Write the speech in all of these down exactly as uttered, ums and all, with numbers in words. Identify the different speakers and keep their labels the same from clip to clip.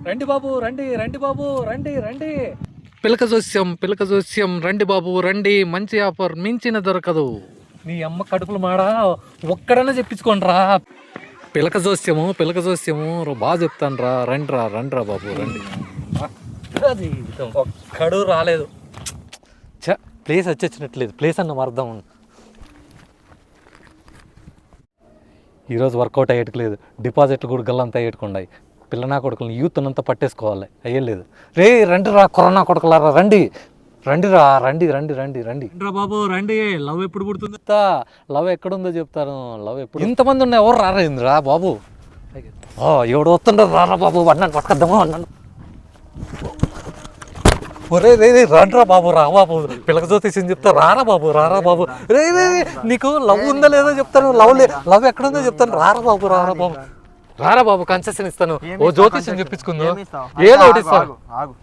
Speaker 1: రండి బాబు రండి రండి బాబు రండి రండి పిలక జోస్యం పిలక జోస్యం రండి బాబు రండి, మంచి ఆఫర్ మించిన దొరకదు. నీ అమ్మ కడుపులు మాడా ఒక్కడన్నా చెప్పించుకోండి రా. పిలక జోస్యము పిలక జోస్యము బాగా చెప్తాను రా, రండి రా రండి రా బాబు రండి. ఒక్కడు రాలేదు. చ ప్లేస్ వచ్చేసినట్లేదు, ప్లేస్ అన్న అర్థం. ఈరోజు వర్కౌట్ అయ్యేట్లేదు, డిపాజిట్లు కూడా గల్లంతా అయ్యేట్టుకున్నాయి. పిల్లనా కొడుకులను యూత్ అంతా పట్టేసుకోవాలి, అయ్యలేదు. రే రండి రా కొరనా కొడుకులారా రండి రండి రా రండి రండి రండి రండి రా బాబు రండి. లవ్ ఎప్పుడు పుడుతుంది? లవ్ ఎక్కడుందో చెప్తాను. లవ్ ఎప్పుడు ఇంతమంది ఉన్నాయి, ఎవరు రారేంది రా బాబు. ఎవడు వస్తుండ్రో రారా బాబు, అన్నాను పట్టుకొద్దామా అన్నాను. ఒరే రే రే రండ్రా బాబు రా బాబు, పిల్లక జ్యోతిషం చెప్తా రారా బాబు రారా బాబు. రే రే నీకు లవ్ ఉందో లేదో చెప్తాను, లవ్ లే లవ్ ఎక్కడుందో చెప్తాను, రారా బాబు రారా బాబు రారా బాబు. కన్సెషన్ ఇస్తాను, ఓ జ్యోతిషం చెప్పించుకుందాం, ఏదో ఒకటి ఇస్తాను.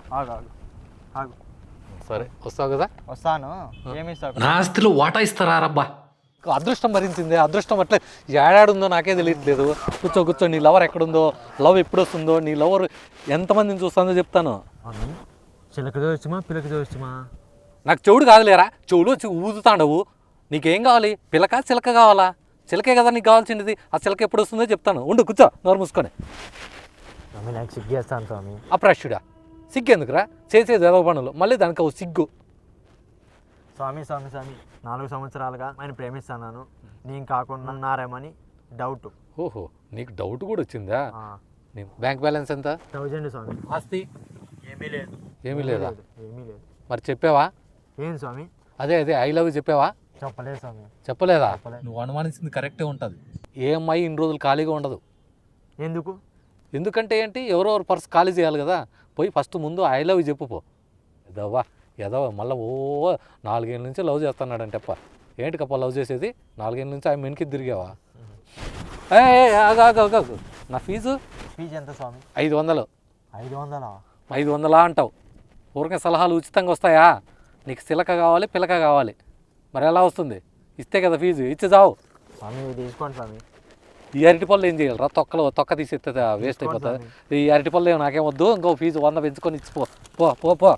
Speaker 1: సరే వస్తావు కదా?
Speaker 2: వస్తాను.
Speaker 1: నా ఆస్తిలో వాటా ఇస్తారా రబ్బా. అదృష్టం భరించింది, అదృష్టం అట్లే ఏడాడుందో నాకే తెలియట్లేదు. కూర్చో కూర్చో, నీ లవర్ ఎక్కడుందో, లవ్ ఎప్పుడు వస్తుందో, నీ లవర్ ఎంతమందిని చూస్తుందో చెప్తాను.
Speaker 2: చిలక చూడొచ్చుమా పిలక చూడొచ్చుమా?
Speaker 1: నాకు చెవుడు కాదులేరా, చెవులు వచ్చి ఊదుతాండవు. నీకేం కావాలి, పిలక చిలక కావాలా? చిలకే కదా నీకు కావాల్సింది, ఆ చిలక ఎప్పుడు వస్తుందో చెప్తాను. ఉండు కూర్చో, నోరు మూసుకొని.
Speaker 2: నాకు సిగ్గేస్తాను స్వామి.
Speaker 1: అప్రాష్యుడా, సిగ్గెందుకురా, చేసేది ఏదో పనులు, మళ్ళీ దానికి ఓ సిగ్గు.
Speaker 2: స్వామి స్వామి స్వామి నాలుగు సంవత్సరాలుగా ఆయన ప్రేమిస్తాను, నేను కాకుండా ఉన్నారేమని డౌట్.
Speaker 1: ఓహో, నీకు డౌట్ కూడా వచ్చిందా? బ్యాంక్ బ్యాలెన్స్ ఎంత?
Speaker 2: థౌజండ్ స్వామి.
Speaker 1: ఆస్తి
Speaker 2: ఏమీ లేదు.
Speaker 1: ఏమీ లేదా?
Speaker 2: ఏమీ లేదు.
Speaker 1: మరి చెప్పావా?
Speaker 2: ఏం స్వామి?
Speaker 1: అదే అదే ఐ లవ్ చెప్పావా?
Speaker 2: చెప్పలేదు స్వామి.
Speaker 1: చెప్పలేదా? నువ్వు అనుమానించింది కరెక్టే ఉంటుంది. ఏ అమ్మాయి ఇన్ని రోజులు ఖాళీగా ఉండదు.
Speaker 2: ఎందుకు?
Speaker 1: ఎందుకంటే ఏంటి, ఎవరెవరు పర్స్ ఖాళీ చేయాలి కదా. పోయి ఫస్ట్ ముందు ఐ లవ్ చెప్పు పో. ఎదవ్వా ఎదవా మళ్ళీ ఓ నాలుగేళ్ళ నుంచి లవ్ చేస్తున్నాడంటే అప్ప. ఏంటి కప్ప లవ్ చేసేది? నాలుగేళ్ళ నుంచి ఆయన మెనికి తిరిగావా? ఆగాగాగు, నా ఫీజు
Speaker 2: ఫీజు ఎంత స్వామి?
Speaker 1: ఐదు వందలు.
Speaker 2: ఐదు వందలా?
Speaker 1: ఐదు వందలా అంటావు. ఊరికే సలహాలు ఉచితంగా వస్తాయా? నీకు చిలక కావాలి పిలక కావాలి, మరి ఎలా వస్తుంది? ఇస్తే కదా ఫీజు, ఇచ్చి చావు.
Speaker 2: స్వామి తీసుకోండి స్వామి.
Speaker 1: ఈ అరటి పళ్ళు ఏం చేయాలి రా, తొక్కలు తొక్క తీసేస్తే వేస్ట్ అయిపోతుంది. ఈ అరటి పళ్ళు ఏమో నాకేం వద్దు, ఇంకో ఫీజు వంద పెంచుకొని ఇచ్చిపో పో పో పో.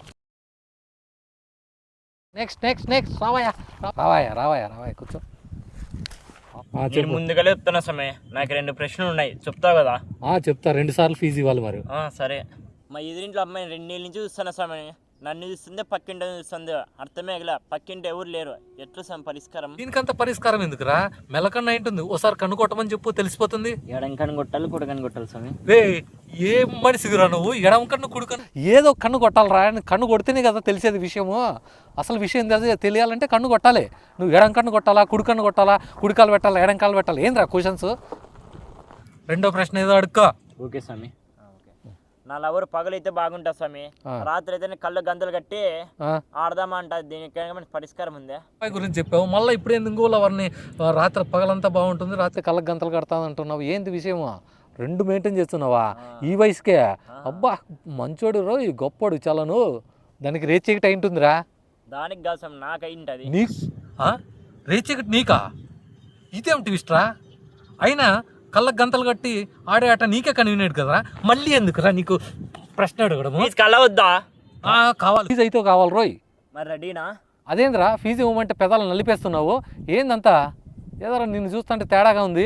Speaker 1: నెక్స్ట్ నెక్స్ట్ నెక్స్ట్ రావాయా రావాయా రావాయా రావాయా కూర్చో.
Speaker 3: ముందుగా చెప్తున్నా సమయ, నాకు రెండు ప్రశ్నలు ఉన్నాయి, చెప్తావు కదా?
Speaker 1: చెప్తా, రెండు సార్లు ఫీజు ఇవ్వాలి మరి.
Speaker 3: సరే. మా ఎదురింట్లో అమ్మాయి రెండేళ్ళ నుంచి చూస్తున్నా సమయ, నన్ను చూస్తుంది పక్కింటి చూస్తుంది, అర్థమే కదా, పక్కింటి ఎవరు లేరు, ఎట్లా సమ పరిష్కారం?
Speaker 1: దీనికంత పరిష్కారం ఎందుకురా, మెలకన్నా ఏంటుంది, ఓసారి కన్ను కొట్టమని చెప్పు తెలిసిపోతుంది.
Speaker 3: ఎడం కన్ను కొట్టాలి కుడి కన్ను కొట్టాలి స్వామి.
Speaker 1: రే ఏ మనిషిరా నువ్వు, ఎడం కన్ను కుడి కన్ను ఏదో కన్ను కొట్టాలరా, కన్ను కొడితేనే కదా తెలిసేది విషయము. అసలు విషయం తెలియాలంటే కన్ను కొట్టాలి. నువ్వు ఎడం కన్ను కొట్టాలా కుడి కన్ను కొట్టాలా, కుడికాలు పెట్టాలా ఎడం కాలు పెట్టాలా, ఏంద్రా క్వశ్చన్స్? రెండో ప్రశ్న ఏదో అడుక్కో.
Speaker 3: ఓకే స్వామి. నా లవర్ పగలైతే బాగుంటా స్వామి, రాత్రి అయితే కళ్ళు గంతలు కట్టి ఆడదామా అంట, దీనికి పరిష్కారం ఉందా?
Speaker 1: గురించి చెప్పావు, మళ్ళీ ఇప్పుడు ఎందుకు లవర్ని రాత్రి పగలంతా బాగుంటుంది, రాత్రి కళ్ళకు గంతలు కడతాను అంటున్నావు, ఏంది విషయము? రెండు మెయింటైన్ చేస్తున్నావా ఈ వయసుకే? అబ్బా మంచోడు రో, ఈ గొప్పోడు చాలను, దానికి రేచీకటి అయి ఉంటుందిరా.
Speaker 3: దానికి కాదు స్వామి, నాకు అయింటది.
Speaker 1: నీ రేచీకటి నీకా? ఇదేమిటి ఇష్టరా? అయినా కళ్ళకు గంతలు కట్టి ఆడే ఆట నీకే కన్వీనియంట్ కదరా, మళ్ళీ ఎందుకురా నీకు ప్రశ్న అడగడము?
Speaker 3: కళ్ళ వద్దా?
Speaker 1: కావాలి, ఫీజు అయితే కావాలి రోయ్.
Speaker 3: మరి రెడీనా?
Speaker 1: అదేంద్రా ఫీజు ఇవ్వమంటే పెదాలు నలిపేస్తున్నావు, ఏందంతా? ఏదరా నిన్ను చూస్తుంటే తేడాగా ఉంది.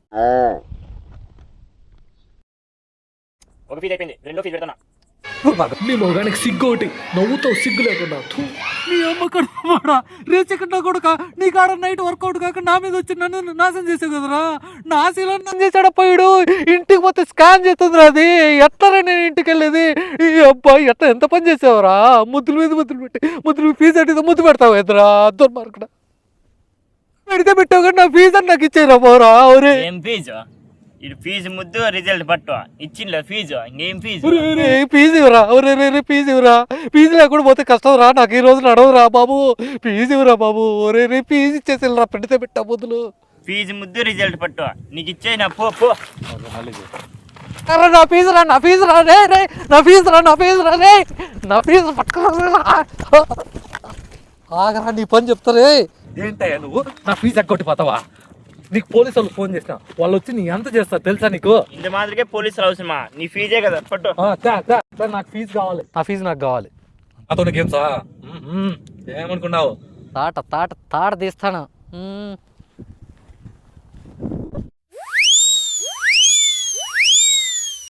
Speaker 3: ఒక ఫీజు అయిపోయింది, రెండో ఫీజు పెడతానా?
Speaker 1: నీ మొగానికి సిగ్గు ఒకటి, నవ్వుతావు సిగ్గు లేకుండా. నీ అమ్మ కడుపుమాడా, రేచకుండా కొడుక, నీ కాడ నైట్ వర్కౌట్ కాక నా మీద వచ్చి నన్ను నాశనం చేసావు కదరా. నా శీలం చేసాడ పోయాడు, ఇంటికి పోతే స్కాన్ చేస్తుందిరా. అది ఎట్లరా నేను ఇంటికి వెళ్ళేది? ఈ అబ్బాయి ఎట్లా ఎంత పని చేసావురా, ముద్దుల మీద ముద్దులు పెట్టి ముద్దులు ఫీజు అంటే ముద్దు పెడతావు ఎదురా దుర్మార్గడ. పెడితే పెట్టావు కానీ నా ఫీజు అని నాకు ఇచ్చేరా పోరా.
Speaker 3: ఏం ఫీజు? ఇది ఫీజు ముద్దు రిజల్ట్ పట్టు ఇచ్చింది ఫీజు, ఇంకేం ఫీజు?
Speaker 1: ఫీజు ఇవ్వరా, ఒరే ఫీజు ఇవ్వరా, ఫీజు లేకుండా పోతే కష్టం రా, నాకు ఈ రోజు నడవరా బాబు, ఫీజు ఇవ్వరా బాబు. ఒరే రే ఫీజు ఇచ్చేసి రా, పెడితే పెట్టా బుద్ధులు.
Speaker 3: ఫీజు ముద్దు రిజల్ట్ పట్టు, నీకు ఇచ్చేనా పో పో.
Speaker 1: నా ఫీజు రా, నా ఫీజు రా రే రే, నా ఫీజు రా, నా ఫీజు రా రే, నా ఫీజు పట్టుకురా. ఆగరా నీ పని చెప్తారే. ఏంటయ్యా నువ్వు నా ఫీజు ఎగ్గొట్టిపోతావా? నీకు పోలీసు వాళ్ళు ఫోన్ చేసిన వాళ్ళు వచ్చి నీ ఎంత చేస్తారు తెలుసా నీకు?
Speaker 3: ఇంత మాదిరికే పోలీసులు అవసరమా? నీ ఫీజే కదా పట్టు.
Speaker 1: ఆ, తా, తా, తా, నాకు ఫీజు కావాలి.
Speaker 4: ఆ ఫీజు నాకు కావాలి.
Speaker 1: అతను గేమ్సా ఏమనుకున్నావు?
Speaker 4: తాట తాట తాట తీస్తాను. మ్మ్.